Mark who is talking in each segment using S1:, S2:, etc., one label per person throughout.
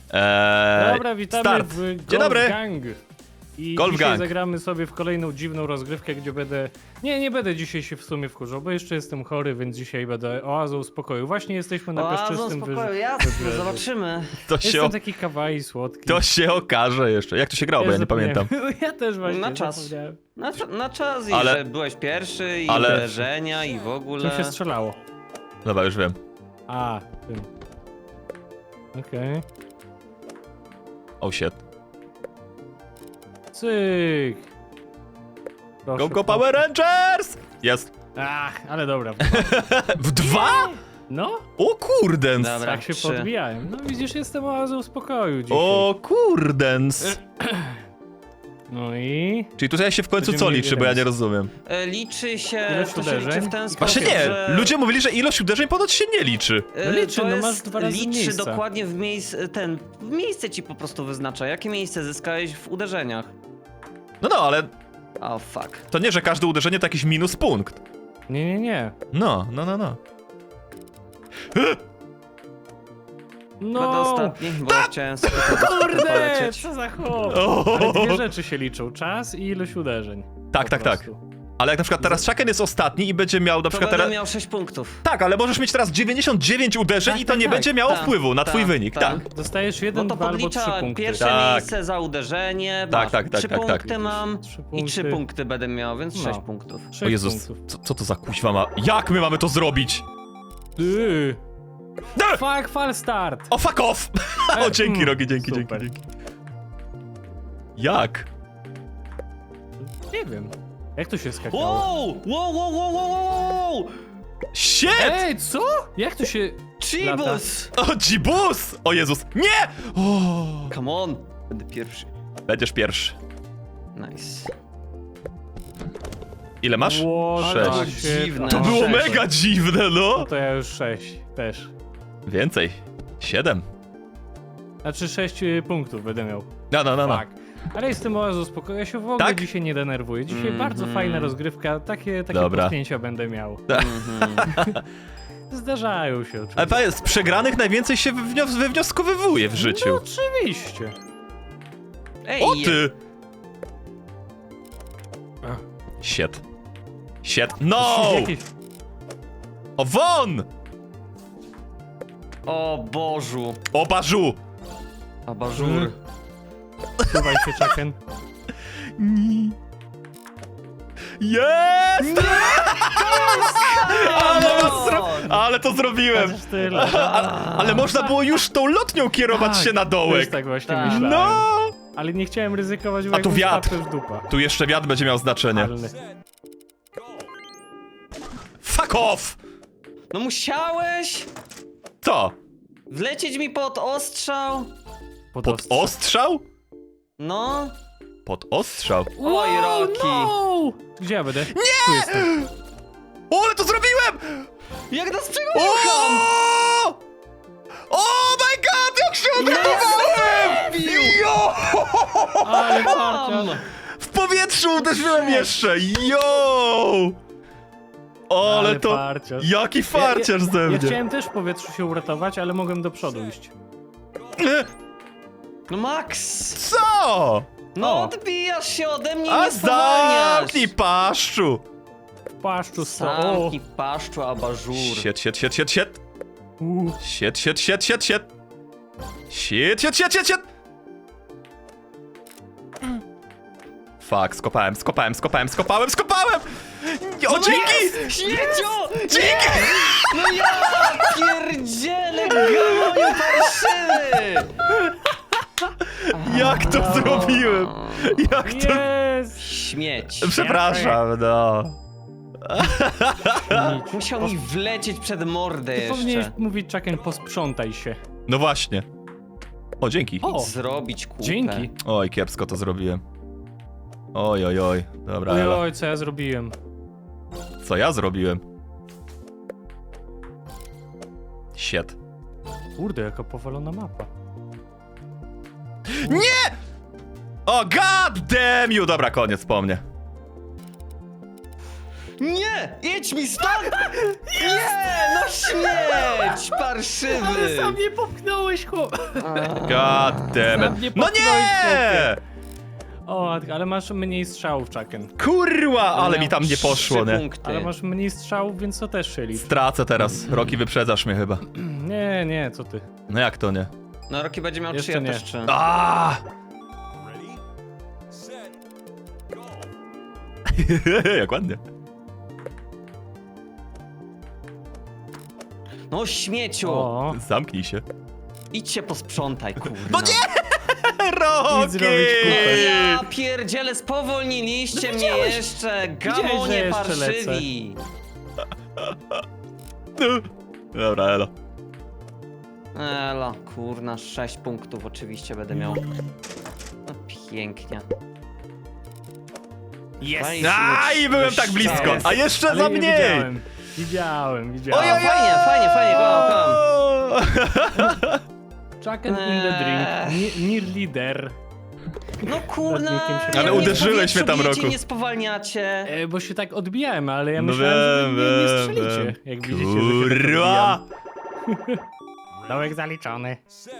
S1: Dobra, witamy
S2: start.
S1: w
S2: Dzień
S1: Golf
S2: dobry.
S1: Gang. I
S2: Golf
S1: dzisiaj
S2: Gang.
S1: zagramy sobie w kolejną dziwną rozgrywkę, gdzie będę... Nie będę dzisiaj się w sumie wkurzał, bo jeszcze jestem chory, więc dzisiaj będę oazą spokoju. Właśnie jesteśmy na piaszczystym
S3: spokoju, jasne, zobaczymy.
S1: Jestem taki kawaii słodki.
S2: To się okaże jeszcze. Jak to się grało, bo ja nie pamiętam.
S1: Ja też właśnie
S3: Na czas.
S1: zapomniałem.
S3: Na czas i
S2: Ale-
S3: że byłeś pierwszy i
S2: ale-
S3: uderzenia i w ogóle.
S1: Czym się strzelało?
S2: Dobra, już wiem.
S1: A, tym. Okej.
S2: Oh shit.
S1: Cyk. Proszę,
S2: Go Power Rangers! Jest.
S1: Ach, ale dobra.
S2: W 2?
S1: No,
S2: O kurdens.
S3: Dobra.
S1: tak się
S3: 3.
S1: podbijałem. No widzisz, jestem oazą spokoju dzisiaj.
S2: O kurdens.
S1: No i...
S2: Czyli tutaj się w końcu
S1: Będziemy
S2: co
S1: mieli
S2: liczy, bo ja
S1: remis.
S2: nie rozumiem.
S3: Liczy się,
S1: Ilość
S3: to się liczy
S1: uderzeń?
S3: w ten sposób,
S2: Właśnie nie,
S3: że...
S2: ludzie mówili, że ilość uderzeń ponoć się nie liczy.
S1: No liczy,
S3: to
S1: no
S3: jest,
S1: masz 2 razy
S3: liczy
S1: miejsca.
S3: dokładnie w miejsce ci po prostu wyznacza, jakie miejsce zyskałeś w uderzeniach.
S2: No, ale
S3: O fuck.
S2: to nie, że każde uderzenie to jakiś minus punkt.
S1: Nie.
S2: No.
S3: Będę
S1: No!
S3: ostatni, bo chciałem sobie
S1: Kurde,
S3: polecieć.
S1: co za chłop!
S2: O!
S1: Ale dwie rzeczy się liczą, czas i ilość uderzeń.
S2: Tak.
S1: Po prostu.
S2: Ale jak na przykład teraz Chucken jest ostatni i będzie miał na
S3: To
S2: przykład
S3: będę
S2: teraz...
S3: miał 6 punktów.
S2: Tak, ale możesz mieć teraz 99 uderzeń
S1: Tak,
S2: i to
S1: tak,
S2: nie
S1: tak.
S2: będzie miało
S3: Tak,
S2: wpływu na twój
S3: tak,
S2: wynik,
S3: tak.
S2: tak.
S1: Dostajesz
S3: No
S1: 1,
S3: to
S1: 2 albo 3
S3: podlicza
S1: punkty.
S3: pierwsze
S2: Tak.
S3: miejsce za uderzenie,
S2: Tak,
S3: masz
S2: tak,
S3: 3
S2: tak.
S3: punkty mam
S1: 3
S3: i 3
S1: punkty.
S3: punkty będę miał, więc
S1: No.
S3: 6 punktów.
S1: 6
S2: O Jezus,
S1: punktów.
S2: co to za kuźwa ma... Jak my mamy to zrobić?
S1: Ty.
S2: No!
S1: Fuck, fal start!
S2: O, fuck off! O, dzięki, Rogi, dzięki.
S1: Super.
S2: Jak?
S1: Nie wiem. Jak to się skakało?
S3: Wow!
S2: Shit!
S1: Ej, co? Jak to się...
S3: Chibus!
S2: O, dzibus! O Jezus, nie! O,
S3: Come on! Będę pierwszy.
S2: będziesz pierwszy.
S3: Nice.
S2: Ile masz?
S1: Ło,
S2: Sześć.
S1: tak
S3: Dziwne.
S2: To
S1: no.
S2: było
S3: 6.
S2: mega dziwne, no!
S1: No to ja już 6 też.
S2: Więcej. 7.
S1: Znaczy 6 punktów będę miał.
S2: No.
S1: Tak. Ale jestem oazą spokoju, ja się w ogóle
S2: Tak?
S1: dzisiaj nie denerwuję. Dzisiaj bardzo fajna rozgrywka, takie
S2: Dobra.
S1: potknięcia będę miał. Zdarzają się
S2: Ale
S1: oczywiście.
S2: panie, z przegranych najwięcej się wywnioskowywuje w życiu.
S1: No oczywiście.
S3: Ej,
S2: O ty!
S1: Ach.
S2: Shit. No!
S1: Jakieś...
S2: O, won!
S3: O Bożu.
S2: O, barzu!
S3: Abażur.
S1: Suwaj się, Chucken.
S2: Jest! Ale to zrobiłem!
S1: Chociaż tyle.
S2: Ale można było już tą lotnią kierować
S1: Tak,
S2: się na
S1: Też
S2: dołek.
S1: tak właśnie
S3: Tak.
S1: myślałem.
S2: No!
S1: Ale nie chciałem ryzykować, bo
S2: A tu
S1: jakbym
S2: wiatr.
S1: spadł, to już dupa.
S2: Tu jeszcze wiatr będzie miał znaczenie.
S1: Ale...
S2: Fuck off!
S3: No musiałeś
S2: Co?
S3: wlecieć mi pod ostrzał.
S2: Pod
S1: ostrze.
S2: ostrzał?
S3: No.
S2: Pod ostrzał.
S3: Oj, Rocky.
S1: No! Gdzie ja będę? Nie! Tu jestem.
S2: O, ale to zrobiłem!
S3: Jak nas
S2: O!
S3: przegoniłam!
S2: Oh my god, jak się odratowałem! Jo!
S1: Ale farcia.
S2: W powietrzu uderzyłem jeszcze! Jo! O, ale to...
S1: farciarz.
S2: Jaki farciarz ze
S1: Ja
S2: mnie!
S1: chciałem też w powietrzu się uratować, ale mogłem do przodu iść.
S3: No Max!
S2: Co?
S3: No
S1: O.
S3: odbijasz się ode mnie,
S2: A
S3: nie spowalniasz!
S2: zamknij paszczu!
S1: W paszczu sto.
S3: Zamknij paszczu, abażur.
S2: Shit.
S1: U.
S2: Shit. Fuck, skopałem! O, dzięki!
S3: Śmiecio!
S2: Dzięki!
S3: No ja pierdzielę, gamoniu parszywy!
S2: Jak to zrobiłem? Jak to...
S1: Jest!
S3: Śmieć.
S2: Przepraszam, no.
S3: Musiał mi wlecieć przed mordę
S1: Ty powinieneś
S3: jeszcze.
S1: mówić, Chucken, posprzątaj się.
S2: No właśnie. O, dzięki.
S1: O!
S3: Zrobić kupę.
S1: Dzięki.
S2: Oj, kiepsko to zrobiłem. Oj. Dobra, Ela.
S1: Oj, co ja zrobiłem?
S2: Co ja zrobiłem? Shit.
S1: Kurde, jaka powalona mapa.
S2: Nie! O, god damn you! Dobra, koniec po mnie.
S3: Nie! Nie! Jedź mi stąd! Nie! No śmieć! Parszywy!
S1: Sam nie popchnąłeś, chłop.
S2: God damn
S1: Sam nie
S2: it. No
S1: popchnąłeś,
S2: nie!
S1: O, ale masz mniej strzałów, Chucken.
S2: Kurwa, ale
S3: Miał
S2: mi tam nie
S3: 3
S2: poszło, nie?
S3: punkty.
S1: Ale masz mniej strzałów, więc to też się liczy.
S2: Stracę teraz. Roki, wyprzedzasz mnie chyba.
S1: Nie, nie, co ty.
S2: No jak to nie?
S3: No Roki będzie miał 3,
S1: Jeszcze
S3: ja
S1: nie.
S3: też 3.
S2: A! Jak ładnie.
S3: No śmieciu!
S1: O,
S2: Zamknij się.
S3: Idź się posprzątaj, kurwa.
S2: No nie! Roki!
S1: zrobić kupę.
S3: Ja pierdziele, spowolniliście mnie jeszcze! Gamonie
S1: że jeszcze
S3: parszywi!
S2: Dobra, elo.
S3: Elo, kurna, 6 punktów oczywiście będę miał. No pięknie.
S1: jest!
S2: Aj, byłem tak blisko. A jeszcze
S1: Ale
S2: za
S1: nie
S2: mniej!
S1: Widziałem.
S3: O, fajnie, kocham.
S1: Chucken in the drink. Near leader.
S3: No kurna,
S1: Radnikiem się
S2: Ale
S1: nie
S2: uderzyłeś mnie tam,
S3: bijecie,
S2: Roku.
S3: nie spowalniacie.
S1: Bo się tak odbijałem, ale ja
S2: No
S1: myślałem, że
S2: wiem,
S1: wy nie
S2: wiem,
S1: strzelicie.
S2: wiem.
S1: Jak widzicie, że się tak
S2: Kurwa!
S1: odbijam. Dołek zaliczony.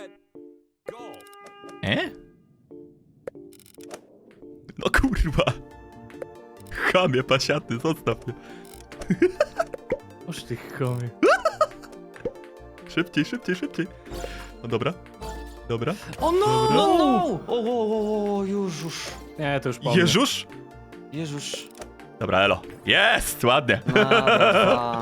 S2: No kurwa. Chamie, pasiaty, zostaw mnie.
S1: Oż ty chomie.
S2: Szybciej, szybciej, szybciej. No dobra. Dobra.
S1: O no!
S3: No, no! O, już.
S1: Nie, to już po mnie.
S2: Jeżusz?
S3: Jezus.
S2: Dobra, elo. Jest! Ładnie.
S3: Dobra,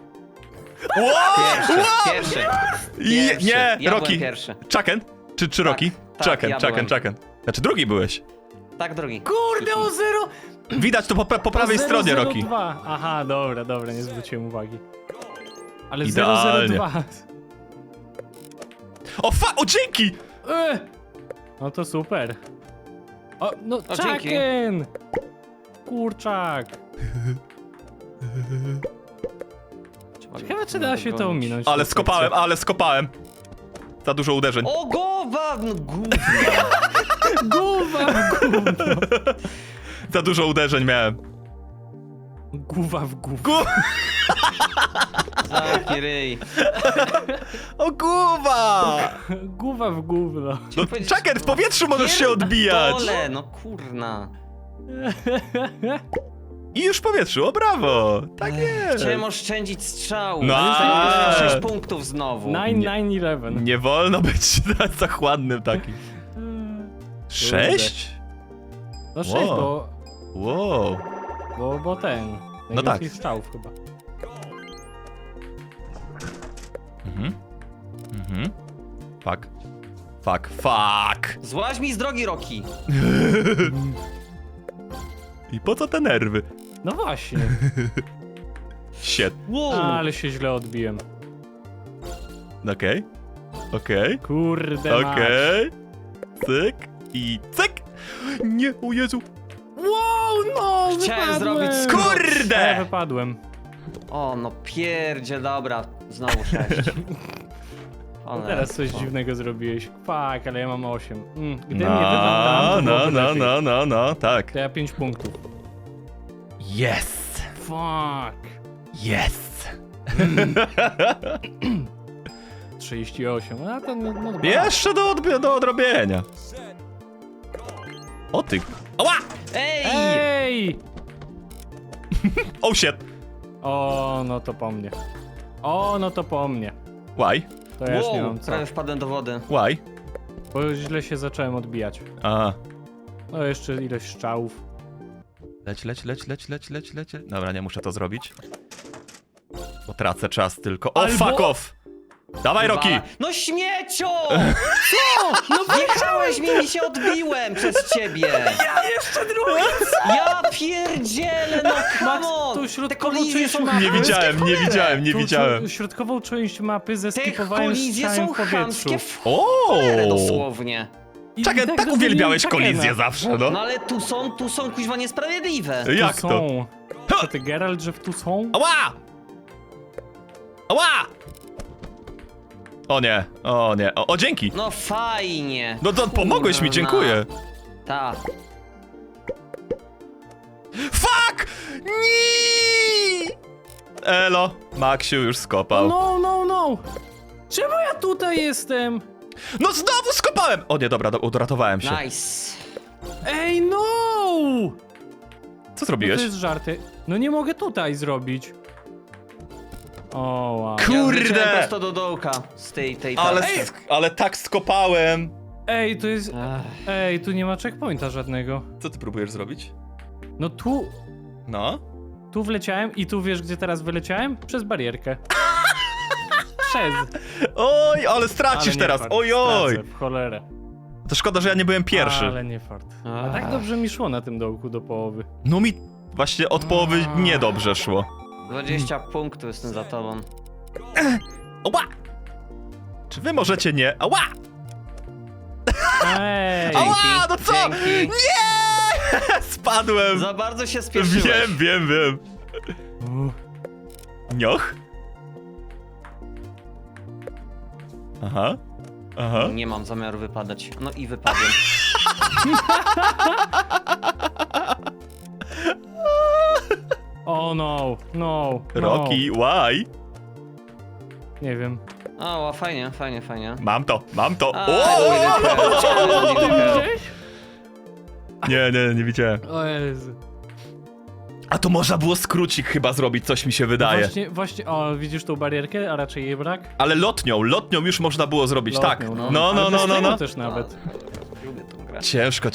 S3: Pierwszy.
S2: Nie,
S3: Ja
S2: Roki.
S3: byłem pierwszy.
S2: Chucken? Czy Roki?
S3: tak,
S2: Chucken,
S3: ja
S2: Chucken,
S3: byłem.
S2: Chucken. Znaczy drugi byłeś.
S3: Tak, drogi.
S1: Kurde, o 0!
S2: Widać to po prawej stronie, Roki.
S1: 002. Aha, dobra, nie zwróciłem uwagi. Ale
S2: Idealnie.
S1: 002.
S2: O dzięki!
S1: No to super. O, no
S3: O, dzięki.
S1: Chucken! Kurczak. Ciekawe, czy da się to ominąć.
S2: Ale skopałem. Za dużo uderzeń.
S3: O, głowa! No, gówno.
S1: Głowa w gówno.
S2: Za dużo uderzeń miałem.
S1: Głowa w gówno.
S3: Zamknij ryj.
S2: O głowa!
S1: Głowa w gówno.
S2: No, Chucken, w powietrzu możesz się odbijać.
S3: Dole, no kurna.
S2: I już w powietrzu, o brawo! Tak jest!
S3: Chciałem oszczędzić strzału.
S2: No.
S3: Ale 6 punktów znowu.
S1: 9-9-11.
S2: Nie wolno być zachładnym takim. 6?
S1: No 6,
S2: Wow. Wow.
S1: bo ten.
S2: No tak.
S1: Najwięcej strzałów chyba.
S2: Fuck.
S3: Złaź mi z drogi, Roki.
S2: I po co te nerwy?
S1: No właśnie.
S2: Shit.
S3: Wow.
S1: Ale się źle odbiłem.
S2: Okej.
S1: Kurde mać.
S2: Cyk. I cyk. Nie, o Jezu.
S1: Wow, no!
S3: Chciałem
S1: wypadłem.
S3: zrobić
S2: Kurde!
S1: Ja wypadłem.
S3: O, no pierdzie, dobra. Znowu 6.
S1: No teraz coś dziwnego zrobiłeś. Fuck, ale ja mam 8. Gdy mnie wypadł tam, to byłoby lepiej.
S2: No, tak.
S1: To ja 5 punktów.
S2: Yes!
S1: Fuck.
S2: Yes!
S1: 38. A to no dobra.
S2: Jeszcze do odrobienia. O ty. Ała!
S3: Ej!
S1: Ej!
S2: Oh shit.
S1: O, no to po mnie. O, no to po mnie.
S2: Why?
S1: To ja już nie
S3: Wow,
S1: mam co.
S3: prawie wpadłem do wody.
S2: Why?
S1: Bo źle się zacząłem odbijać.
S2: A.
S1: No jeszcze ileś strzałów.
S2: Leć. Dobra, nie muszę to zrobić. Bo tracę czas tylko. O,
S1: Albo-
S2: fuck off! Dawaj, Roki!
S3: No śmiecio! Co? No wjechałeś mi się odbiłem przez ciebie!
S1: Ja jeszcze drugi!
S3: Ja pierdzielę, no come on!
S1: tu
S3: Te
S1: środkową
S3: kolizje
S1: część
S3: są
S1: mapy.
S2: Nie widziałem, nie widziałem.
S1: Środkową część mapy
S3: Te
S1: zeskipowałem z
S3: kolizje
S1: strzałem
S3: są
S1: w powietrzu.
S3: chamskie w
S2: O!
S3: cholerę dosłownie.
S1: I
S2: Czekaj, tak
S1: zostawiłem
S2: uwielbiałeś
S1: Chuckena.
S2: kolizję zawsze, no.
S3: No ale tu są kuźwa niesprawiedliwe.
S2: Jak
S1: Tu
S2: to?
S1: są. Co ty, Geralt, że w tu są?
S2: Ała! Ała! O nie. O, dzięki!
S3: No fajnie.
S2: No to pomogłeś mi,
S3: Kurna.
S2: dziękuję.
S3: Ta.
S2: Fuck! Nie! Elo, Maksiu już skopał.
S1: No. Czemu ja tutaj jestem?
S2: No znowu skopałem! O nie, dobra, uratowałem się.
S3: Nice.
S1: Ej, no!
S2: Co
S1: No
S2: zrobiłeś?
S1: to jest żarty. No nie mogę tutaj zrobić. O, wow.
S3: Ja
S2: Kurde!
S3: zleciałem prosto do dołka z tej
S2: Ale,
S3: tarczy.
S2: ale tak skopałem.
S1: Ej, to jest...
S3: Ech.
S1: Ej, tu nie ma checkpointa żadnego.
S2: Co ty próbujesz zrobić?
S1: No
S2: No?
S1: tu wleciałem i tu wiesz, gdzie teraz wyleciałem? Przez barierkę. Przez.
S2: Oj, ale stracisz
S1: Ale nie
S2: teraz,
S1: fart,
S2: ojoj!
S1: stracę, w cholerę.
S2: To szkoda, że ja nie byłem pierwszy.
S1: Ale nie fart. A tak dobrze mi szło na tym dołku do połowy.
S2: No mi właśnie od połowy niedobrze szło.
S3: 20 punktów jestem za tobą.
S2: Ała! Czy wy możecie nie? Ała!
S1: Ej!
S2: Ała, no co?
S3: Dzięki.
S2: Nie! Spadłem!
S3: Za bardzo się spieszyłeś.
S2: Wiem. Nioch? Aha.
S3: Nie mam zamiaru wypadać. No i wypadłem.
S1: O no.
S2: Rocky, why?
S1: Nie wiem.
S3: O, fajnie.
S2: Mam to.
S3: A,
S2: O!
S3: lubię Kero.
S2: Nie widziałem.
S1: O Jezu.
S2: A to można było skrócik chyba zrobić, coś mi się wydaje.
S1: Właśnie, o, widzisz tą barierkę, a raczej jej brak?
S2: Ale lotnią już można było zrobić, tak.
S1: Lotnią,
S2: No.
S1: Ale bez tego też nawet.
S3: Lubię tą grę.
S2: Ciężko.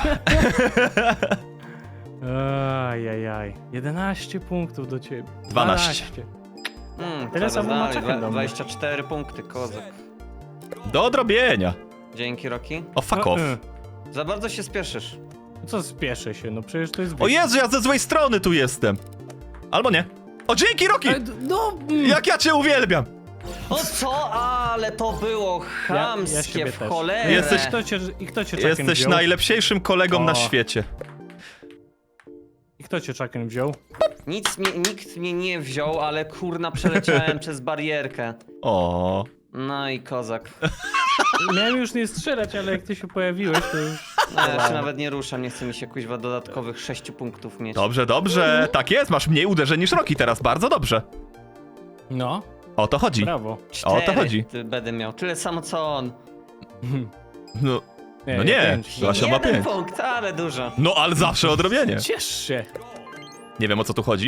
S1: Ajajaj. 11 punktów do ciebie.
S2: 12.
S1: Tyle samo ma
S3: dalej.
S1: Czechy do mnie.
S3: 24 punkty, kozak.
S2: Do odrobienia.
S3: Dzięki, Rocky.
S2: O, fuck off.
S3: Za bardzo się spieszysz.
S1: Co spieszę się, no przecież to jest...
S2: O Jezu, ja ze złej strony tu jestem. Albo nie. O, dzięki, Rocky!
S1: No...
S2: Jak ja cię uwielbiam!
S3: O co? Ale to było chamskie
S1: siebie
S3: w
S1: też.
S3: cholerę.
S2: Jesteś-
S1: Kto cię czakiem
S2: Jesteś
S1: wziął?
S2: najlepszym kolegą na
S1: O.
S2: świecie.
S1: I kto cię czakiem wziął?
S3: Nikt mnie nie wziął, ale kurna przeleciałem przez barierkę.
S2: O.
S3: No i kozak.
S1: Miałem już nie strzelać, ale jak ty się pojawiłeś, to już...
S3: No, ja się nawet nie ruszam, nie chce mi się kuźwa dodatkowych 6 punktów mieć.
S2: Dobrze. Tak jest, masz mniej uderzeń niż Rocky teraz, bardzo dobrze.
S1: No,
S2: O to chodzi.
S1: brawo.
S2: O to chodzi.
S3: Będę miał tyle samo co on.
S2: No,
S1: Nie,
S2: no nie,
S1: pięć.
S2: Zosia ma 5.
S3: punkt, ale dużo.
S2: No, ale zawsze odrobienie.
S1: Ciesz się.
S2: Nie wiem, o co tu chodzi.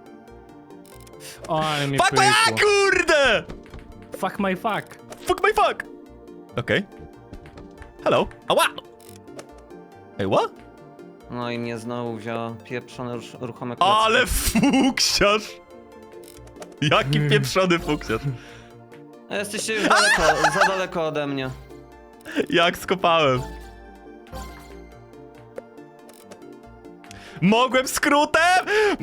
S1: O, ale mnie
S2: Fuck, a,
S1: pykło.
S2: kurde!
S1: Fuck my fuck.
S2: Fuck my fuck! Okej. Hello. Ała! Ej, what?
S3: No i mnie znowu wziął pieprzone ruchome klocki.
S2: Ale fuksiarz! Jaki pieprzony fuksiarz.
S3: Jesteście już daleko, za daleko ode mnie.
S2: Jak skopałem. Mogłem skrótem!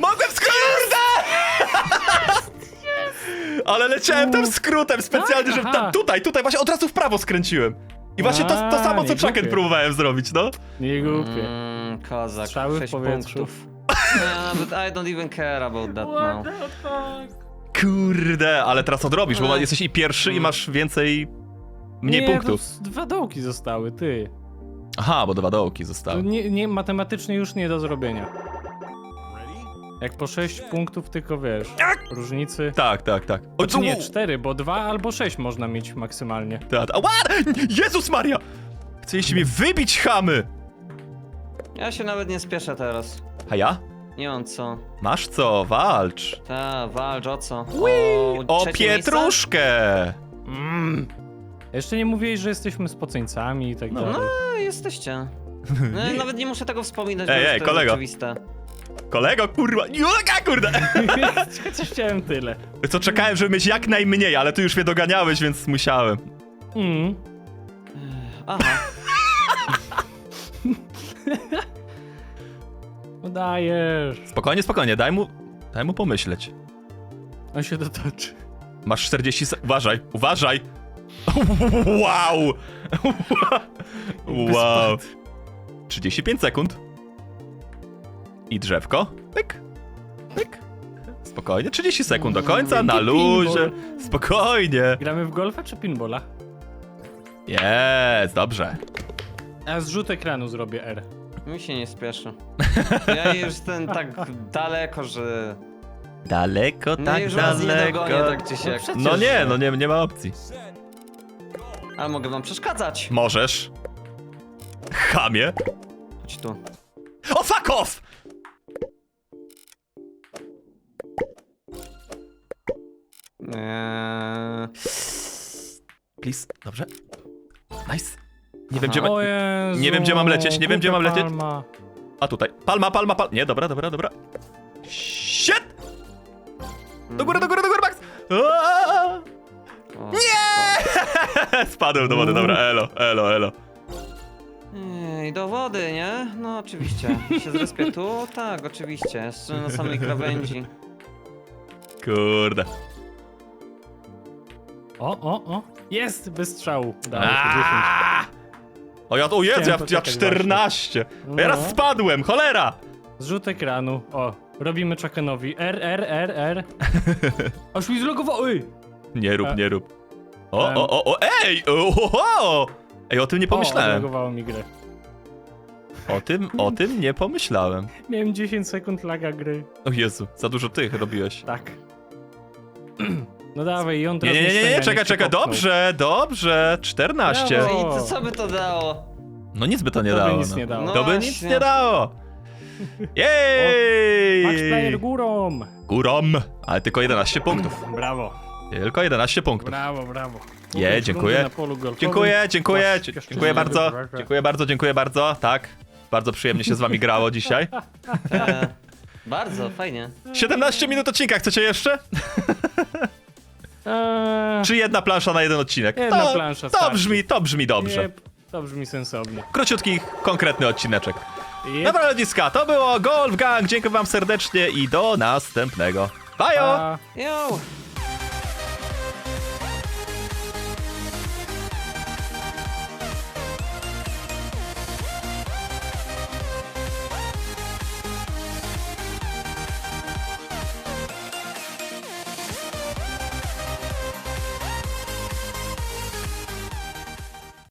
S2: Ale leciałem tam skrótem specjalnie,
S1: Tak,
S2: żeby
S1: aha.
S2: tam, tutaj, właśnie od razu w prawo skręciłem. I właśnie to samo, co
S1: nie
S2: Chucken
S1: głupie.
S2: próbowałem zrobić, no.
S1: Nie głupie.
S3: Kozak,
S1: Strzały w
S3: 6
S1: powietrzu.
S3: punktów. Yeah, but I don't even care about that now.
S2: Kurde, ale teraz odrobisz, bo
S3: Ech.
S2: jesteś i pierwszy i masz mniej
S1: nie,
S2: punktów.
S1: To 2 dołki zostały, ty.
S2: Aha, bo 2 dołki
S1: To
S2: zostały.
S1: nie, matematycznie już nie do zrobienia. Jak po 6 punktów tylko wiesz, różnicy.
S2: Tak. O,
S1: Czy nie, 4, bo 2 albo 6 można mieć maksymalnie.
S2: Ała! Jezus Maria! Chcieliście mnie wybić, chamy!
S3: Ja się nawet nie spieszę teraz.
S2: A ja?
S3: Nie mam co.
S2: Masz co, walcz.
S3: Walcz o co?
S2: O
S3: trzecie miejsce?
S2: pietruszkę!
S1: Jeszcze nie mówiłeś, że jesteśmy spoceńcami i tak dalej.
S3: No, jesteście. No, nawet nie muszę tego wspominać,
S2: Ej,
S3: bo
S2: ej,
S3: już to
S2: kolego.
S3: jest oczywiste.
S2: Kolego, kurwa! Jaka, kurde!
S1: Chociaż chciałem tyle.
S2: Co, czekałem, żeby mieć jak najmniej, ale ty już mnie doganiałeś, więc musiałem.
S3: Aha.
S1: No dajesz.
S2: Spokojnie, daj mu pomyśleć.
S1: On się dotoczy.
S2: Masz 40 Uważaj! Wow! Wow! 35 sekund. I drzewko. Pyk. Spokojnie, 30 sekund do końca, na luzie. Spokojnie.
S1: Gramy w golfa czy pinballa?
S2: Jest, dobrze.
S1: A zrzut ekranu zrobię R.
S3: Mi się nie spieszy. Ja już jestem tak daleko, że...
S2: Daleko,
S3: No
S2: tak
S3: już was nie
S2: daleko.
S3: dogonię, tak czy siak.
S1: przecież-
S2: No nie, no nie ma opcji.
S3: Ale mogę wam przeszkadzać.
S2: Możesz. Chamie.
S3: Chodź tu.
S2: O, fuck off! Please, dobrze. Nice. Nie wiem, gdzie
S3: Aha.
S2: ma...
S1: O Jezu,
S2: Nie wiem, gdzie mam lecieć, nie wiem, gdzie mam
S1: głupia
S2: lecieć.
S1: Palma.
S2: A tutaj. Palma. Nie, dobra. Shit! Do góry, Max! Aaaa!
S3: Nie!
S2: Spadłem do wody, dobra, elo.
S3: I do wody, nie? No oczywiście. Się zrespię tu? Tak, oczywiście. Jeszcze na samej krawędzi.
S2: Kurde.
S1: O. Jest, bez strzału. Dało się 10.
S2: Aaaa! O Jezu,
S1: Chciałem
S2: ja
S1: poczekać
S2: 14.
S1: właśnie.
S2: Ja raz
S1: No.
S2: spadłem, cholera!
S1: Zrzut ekranu. O, robimy Chuckenowi. R. Aż mi zlogowało. Ej!
S2: Nie rób. Ej! Ej, o tym nie
S1: O,
S2: pomyślałem.
S1: zlogowało mi grę.
S2: O tym nie pomyślałem.
S1: Miałem 10 sekund laga gry.
S2: O Jezu, za dużo tych robiłeś.
S1: Tak. No dawaj, i on teraz
S2: Nie,
S1: niech
S2: czekaj,
S1: się popchnął.
S2: dobrze, 14.
S1: Brawo.
S3: I to co by to dało?
S2: No nic by to nie
S1: To by
S2: dało.
S1: nic
S2: no.
S1: nie dało.
S3: No
S2: To by
S3: właśnie.
S2: nic nie dało.
S1: Max Player
S2: Jej!
S1: górą.
S2: Górą, ale tylko 11 punktów.
S1: Brawo,
S2: Tylko 11 punktów.
S1: brawo.
S2: Dziękuję.
S1: Na polu golfowym.
S2: Dziękuję bardzo. Tak, bardzo przyjemnie się z wami grało dzisiaj.
S3: Bardzo, fajnie.
S2: 17 minut odcinka, chcecie jeszcze? Czy jedna plansza na jeden odcinek?
S1: Jedna plansza starczy.
S2: To brzmi dobrze.
S1: Jep, to brzmi sensownie.
S2: Króciutki, konkretny odcineczek.
S1: Jep.
S2: Dobra ludziska, to było Golf Gang, dziękuję wam serdecznie i do następnego. Bajo!
S1: Pa.
S3: Yo!